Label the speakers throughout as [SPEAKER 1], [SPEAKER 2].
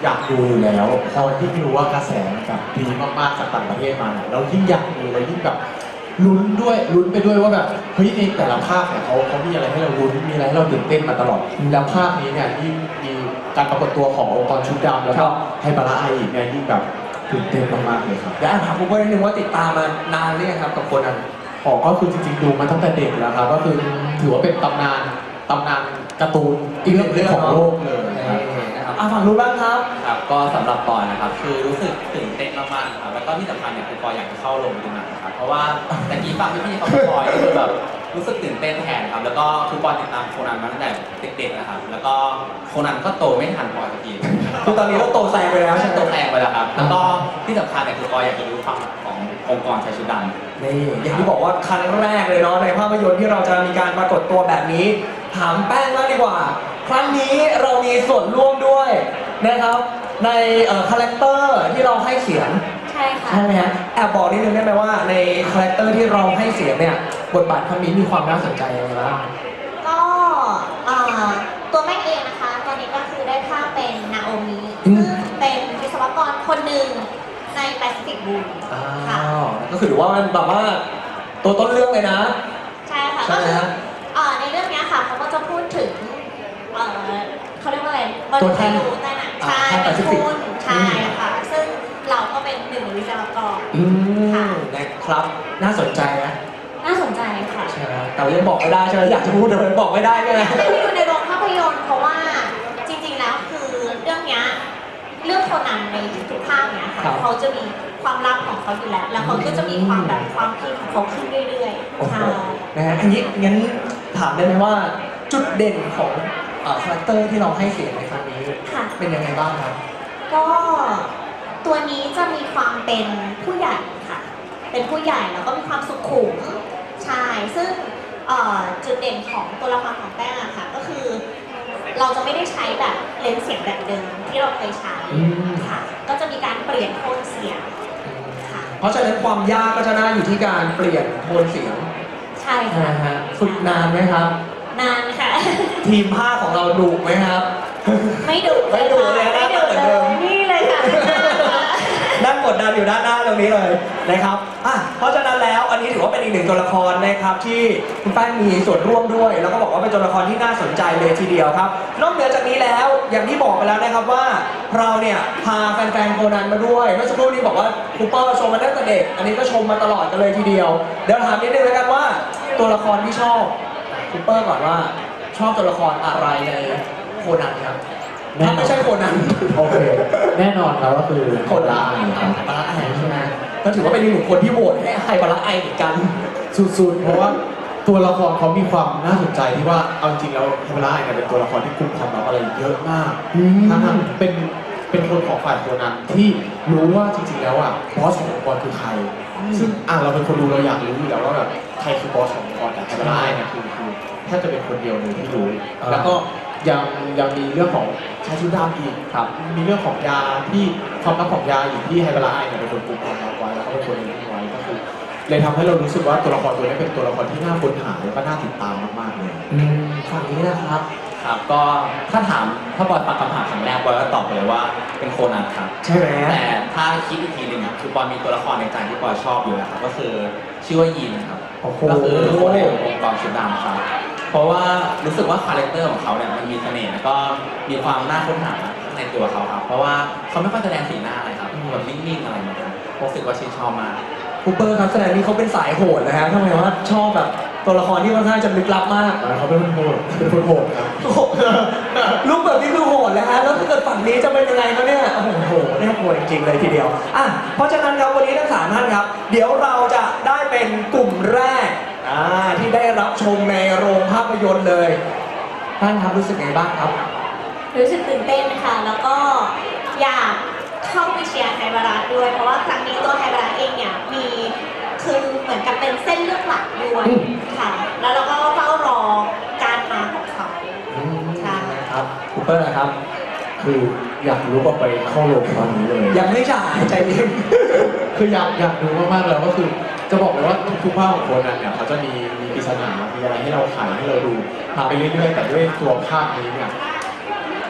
[SPEAKER 1] อยากดูอยู่แล้วพอที่รู้ว่ากระแสแบบดีมากๆจากต่างประเทศมาเนี่ยเรายิ่งอยากดูเรายิ่งแบบลุ้นไปด้วยว่าแบบเฮ้ยในแต่ละภาคเนี่ยเขามีอะไรให้เราลุ้นมีอะไรให้เราตื่นเต้นมาตลอดแล้วภาคนี้เนี่ยยิ่งมีการปรากฏตัวขององค์กรชุดดำแล้วก็ไฮบาระไออีกเนี่ยยิ่งแบบตื่นเต้นมากๆเลยครับ
[SPEAKER 2] เดี๋ยวถามคุณเปิ้ลนิดนึงว่าติดตามมานานหรือยังครับกับโคนัน
[SPEAKER 1] ก็คือจริงๆดูมาตั้งแต่เด็กแล้วครับก็คือถือว่าเป็นตำนานการ์ตูนอีกเรื่องของโลกเลย
[SPEAKER 2] นะครับฝั่งนู้นบ้างครับ
[SPEAKER 3] ครับก็สำหรับปอยนะครับคือรู้สึกตื่นเต้นมากๆนะครับแล้วก็ที่สำคัญเนี่ยคือปอยอยากจะเข้าโรงดูหนังนะครับเพราะว่าตะกี้ฟังพี่ๆเขาปอยก็คือแบบรู้สึกตื่นเต้นแทนครับแล้วก็คือปอยติดตามโคนันมาตั้งแต่เด็กๆนะครับแล้วก็โคนันก็โตไม่ทันปอยสักที
[SPEAKER 2] คือตอนนี้เราโตแซงไปแล้วใช่ไหม
[SPEAKER 3] โตแซงไปแล้วครับแล้วก็ที่สำคัญเนี่ยคือปอยอยากจะรู้ความขององค์กรชายชุดดำ
[SPEAKER 2] นี่อย่างที่บอกว่าครั้งแรกเลยเนาะในภาพยนตร์ที่เราจะมีการปรากฏตัวแบบนี้ถามแป้งมากดีกว่าครั้งนี้เรามีส่วนร่วมด้วยนะครับในคาแรคเตอร์ที่เราให้เสียง
[SPEAKER 4] ใช่ค่ะ
[SPEAKER 2] ใช่ไหมฮะแอบบอกนิดนึงได้ไหมว่าในคาแรคเตอร์ที่เราให้เสียงเนี่ยบทบาทครั้งนี้มีความน่าสนใจยังไงบ้าง
[SPEAKER 4] ก็ตัวแม่เองนะคะตอนนี้ก็คือได้ภาพเป็นนาโอมิซึ่งเป็นวิศวกรคนหนึ่งในแปซิฟิกบูมค่ะ
[SPEAKER 2] ก็คือถือว่ามันแบบว่าตัวต้นเรื่องเลยนะ
[SPEAKER 4] ใช่ค่ะก็คือในเรื่องนี้ค่ะเขาก็จะพูดถึงเขาเรียกว่าอะไร
[SPEAKER 2] ตัวแทน
[SPEAKER 4] ใช่เป็นคุณใช่ค่ะซึ่งเราก็เป็นหนึ่งวิศวกร
[SPEAKER 2] ค่ะนะครับน่าสนใจนะ
[SPEAKER 4] น่าสนใจค่ะ
[SPEAKER 2] ใช่แต่ยังบอกไม่ได้ใช่ไหมอยากจะพูดแต่มันบอกไม่ได้ใช่ไหม
[SPEAKER 4] ไม่ได้ดูในโรงภาพยนตร์เพราะว่าจริงๆแล้วคือเรื่องนี้เรื่องโคนันในทุกภาคเนี่ยค่ะเขาจะมีความลับของเขาอยู่แล้วเขาก็จะมีความแบบความคิดของเขาขึ้นเรื่อยๆใช่
[SPEAKER 2] นะฮะอันนี้งั้นถามได้ไหมว่าจุดเด่นของคาแรคเตอร์ที่เราให้เสียงในครั้งนี้เป็นยังไงบ้างครับ
[SPEAKER 4] ก็ตัวนี้จะมีความเป็นผู้ใหญ่ค่ะเป็นผู้ใหญ่แล้วก็มีความสุขุมใช่ซึ่งจุดเด่นของตัวละครของแป้งอะค่ะก็คือเราจะไม่ได้ใช้แบบเลนส์เสียงแบบเดิมที่เราเคยใช้ค่ะก็จะมีการเปลี่ยนโทนเสียงค่ะ
[SPEAKER 2] เพราะฉะนั้นความยากก็จะน่าอยู่ที่การเปลี่ยนโทนเสียง
[SPEAKER 4] ใช่ค่ะ
[SPEAKER 2] ฝึกนานไหมครับ
[SPEAKER 4] นานค่ะ
[SPEAKER 2] ทีมภาคของเราดุไหมครับ
[SPEAKER 4] ไม่ดุ
[SPEAKER 2] ไม่ดุเลยนะเหมือนเดิม
[SPEAKER 4] นี่เลยค่ะ
[SPEAKER 2] นั่งกดดันอยู่ด้านหน้าตรงนี้เลยนะครับเพราะฉะนั้นแล้วอันนี้ถือว่าเป็นอีกหนึ่งตัวละครนะครับที่คุณแป้งมีส่วนร่วมด้วยแล้วก็บอกว่าเป็นตัวละครที่น่าสนใจเลยทีเดียวครับนอกเหนือจากนี้แล้วอย่างที่บอกไปแล้วนะครับว่าเราเนี่ยพาแฟนๆโคนันมาด้วยเมื่อสักครู่นี้บอกว่าคูเปอร์ชมมาตั้งแต่เด็กอันนี้ก็ชมมาตลอดกันเลยทีเดียวเดี๋ยวถามนิดนึงแล้วกันว่าตัวละครที่ชอบคูเปอร์ก่อนว่าชอบตัวละครอะไรในโคนันครับถ้าไม่ใช่โคนัน
[SPEAKER 1] โอเคแน่นอนครับก็คือ
[SPEAKER 2] โคนันครับไฮบาระไอใช่ไหมก็ถือว่าเป็นอีกหนึ่งคนที่โหวตให้ไฮบาระไอเหมือนกัน
[SPEAKER 1] สุดๆเพราะว่าตัวละครเขามีความน่าสนใจที่ว่าเอาจริงแล้วไฮบาระไอเนี่ยเป็นตัวละครที่กุมความลับอะไรเยอะมากทั้งเป็นคนของฝ่ายโคนันที่รู้ว่าจริงๆแล้วบอสขององค์กรคือใครซึ่งเราเป็นคนดูเราอยากรู้อยู่แล้วว่าแบบใครคือบอสขององค์กรแต่ไฮบาระไอเนี่ยคือแทบจะเป็นคนเดียวเลยที่รู้แล้วก็ยังมีเรื่องของชายชุดดำอีกครับมีเรื่องของยาที่ความลับของยาอยู่ที่ไฮบาระไอเนี่ยเป็นคนกุมความลับไว้แล้วก็เป็นคนเลี้ยงไว้ก็คือเลยทำให้เรารู้สึกว่าตัวละครตัวนี้เป็นตัวละครที่น่าค้นหาแล้วก็น่าติดตามมากๆเลย
[SPEAKER 2] ฝั่งนี้นะครับ
[SPEAKER 3] ครับก็ถ้าบอยปักคำถามครั้งแรกบอยก็ตอบไปเลยว่าเป็นโคนันครับ
[SPEAKER 2] ใช่ไหม
[SPEAKER 3] แต่ถ้าคิดอีกทีหนึ่งคือบอยมีตัวละครในใจที่บอยชอบอยู่นะครับก็คือชื่อว่ายินครับก็คือคนในองค์กรชุดดำครับเพราะว่ารู้สึกว่าคาแรคเตอร์ของเขาเนี่ยมันมีเสน่ห์แล้วก็มีความน่าค้นหาในตัวเขาครับเพราะว่าเขาไม่ค่อยแสดงสีหน้าอะไรครับแบบนิ่งๆอะไรแบบนี้รู้สึกว่าชื่นชอบมาก
[SPEAKER 2] คูเปอร์ครับแสดงนี้เขาเป็นสายโหดนะฮะทำไมว่าชอบแบบตัวละครที่ค่อนข้างจะลึกลับมาก
[SPEAKER 1] เขาเป็นคนโหดครับ
[SPEAKER 2] ลูกแบบนี้คือโหดแล้วฮะแล้วถ้าเกิดฝั่งนี้จะเป็นยังไงครับเนี่ยโอ้โหน่ากลัวจริงๆเลยทีเดียวเพราะฉะนั้นครับวันนี้ทั้ง3ท่านครับเดี๋ยวเราจะได้เป็นกลุ่มแรกที่ได้รับชมในโรงภาพยนตร์เลยท่านครับรู้สึกไงบ้างครับ
[SPEAKER 4] รู้สึกตื่นเต้นค่ะแล้วก็อยากเข้าไปเชียร์ไฮบาระด้วยเพราะว่าครั้งนี้ตัวไฮบาระเองเนี่ยมีคือเหมือนกับเป็นเส้นเลือดหลักด้วยค่ะแล้วเราก็เฝ้ารอการมาของเขา
[SPEAKER 2] ใช่ครับคูเปอร์นะครับ
[SPEAKER 1] คืออยากรู้ว่าไปเข้าโรงตอนนี้เลย
[SPEAKER 2] ยังไม่จ่ายใจเย็น
[SPEAKER 1] คืออยากดูมากๆแล้วก็คือจะบอกเลยว่าทุกภาคของโคนันเนี่ยเขาจะมีปริศนามีอะไรให้เราขายให้เราดูไปเรื่อยๆแต่ด้วยตัวภาคนี้เนี่ย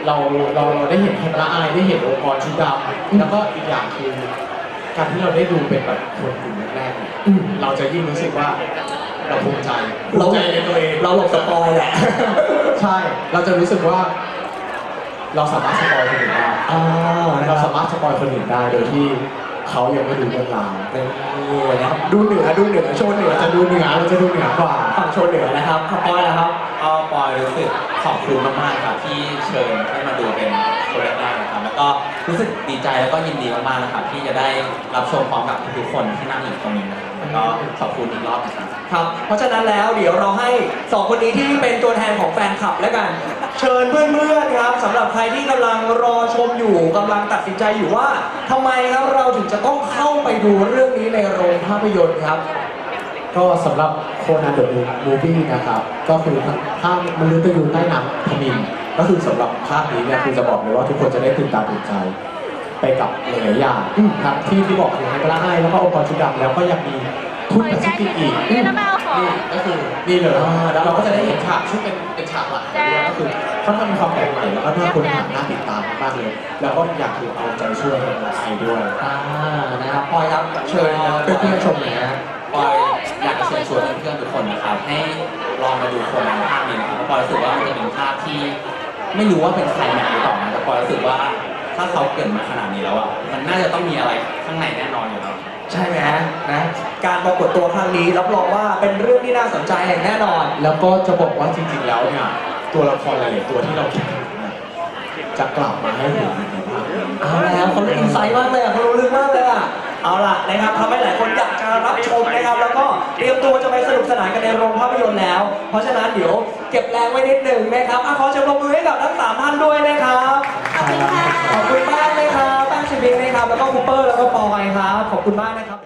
[SPEAKER 1] เราได้เห็นเทมละอายได้เห็นองค์กรชุดดำแล้วก็อีกอย่างคือการที่เราได้ดูเป็นแบบคนกลุ่มแรกๆเนี่ยเราจะยิ่งรู้สึกว่าเราภูมิใจในตัวเอง
[SPEAKER 2] เราหลบสปอยแหละ
[SPEAKER 1] ใช่ เราจะรู้สึกว่า เราสามารถสปอยคนอื่นได้ เราสามารถสปอยคนอื่นได้โดยที่เขายังไม่ดูเรื่องราว
[SPEAKER 2] นี่นะครับดูเหนือโชว์เหนือ
[SPEAKER 1] เราจะดูเหนือกว่า
[SPEAKER 2] ฝั่งโชว์เหนือนะครับขอบอยนะครับ
[SPEAKER 3] ก็ปอยรู้สึกขอบคุณมากๆครับที่เชิญให้มาดูเป็นคนแรกๆนะครับแล้วก็รู้สึกดีใจแล้วก็ยินดีมากๆนะครับที่จะได้รับชมพร้อมกับทุกๆคนที่นั่งอยู่ตรงนี้นะครับแล้วก็ขอบคุณอีกรอบนะครับ
[SPEAKER 2] ครับ เพราะฉะนั้นแล้วเดี๋ยวเราให้สองคนนี้ที่เป็นตัวแทนของแฟนคลับแล้วกัน เชิญเพื่อนๆครับสำหรับใครที่กำลังรอชมอยู่กำลังตัดสินใจอยู่ว่าทำไมครับเราถึงจะต้องเข้าไปดูเรื่องนี้ในโรงภาพยนตร์ครับ
[SPEAKER 1] ก็สำหรับโคนันเดอะมูฟวี่นะครับ ก็คือภาพมฤตยูใต้น้ำทมิฬก็คือสำหรับภาคนี้เนี่ยคือจะบอกเลยว่าทุกคนจะได้ตื่นตาตื่นใจไปกับหลายๆอย่างทั้งที่บอกคือไฮเปอร์ไอแล้วก็องค์กรชุดดำแล้วก็ยังมีทุนแปซิฟิกอีกนี่ก็คือนี่เลยแล้วเราก็จะได้เห็นฉากชุดเป็นฉากหลักด้วยก็คือค่อนข้างมีความแปลกใหม่แล้วก็น่าค้นหาน่าติดตามมากเลย แล้วก็อยากคือเอาใจช่วยคนไทยด้วย
[SPEAKER 2] นะครับพลอยครับเชิญเพื่อนๆชมหน่อยนะ
[SPEAKER 3] ปอยอยากจะเชิญชวนเพื่อนๆทุกคนนะครับให้ลองมาดูโคนันภาคนี้นะครับเพราะปอยรู้สึกว่ามันจะเป็นภาคที่ไม่รู้ว่าเป็นใครแม็กหรือเปล่านะแต่ปอยรู้สึกว่าถ้าเขาเกิดมาขนาดนี้แล้วอ่ะมันน่าจะต้องมีอะไรข้างในแน่นอนอยู่แล้ว
[SPEAKER 2] ใช่ไหมนะการปรากฏตัวครั้งนี้รับรองว่าเป็นเรื่องที่น่าสนใจอย่างแน่นอน
[SPEAKER 1] แล้วก็จะบอกว่าจริงๆ แล้วเนี่ยตัวละครหลายๆตัวที่เราคิดถึงเนี่ยจะกลับมาให้เห็นในภาคนี้
[SPEAKER 2] เอาแล้วเขาอินไซต์มากเลยอ่ะเขารู้ลึกมากเลยอ่ะเอาล่ะนะครับทำให้หลายคนอยากจะรับชมนะครับแล้วก็เตรียมตัวจะไปสนุกสนานกันในโรงภาพยนตร์แล้ว เพราะฉะนั้นเดี๋ยวเก็บแรงไว้นิดหนึ่งนะครับขอเชิญปรบมือให้กับทั้ง3ท่านด้วยนะครับ
[SPEAKER 4] ขอบคุณค่ะ
[SPEAKER 2] ขอบคุณมากเลยครับแป้งชิบิงนะครับแล้วก็คูเปอร์แล้วก็ปอยครับขอบคุณมากนะครับ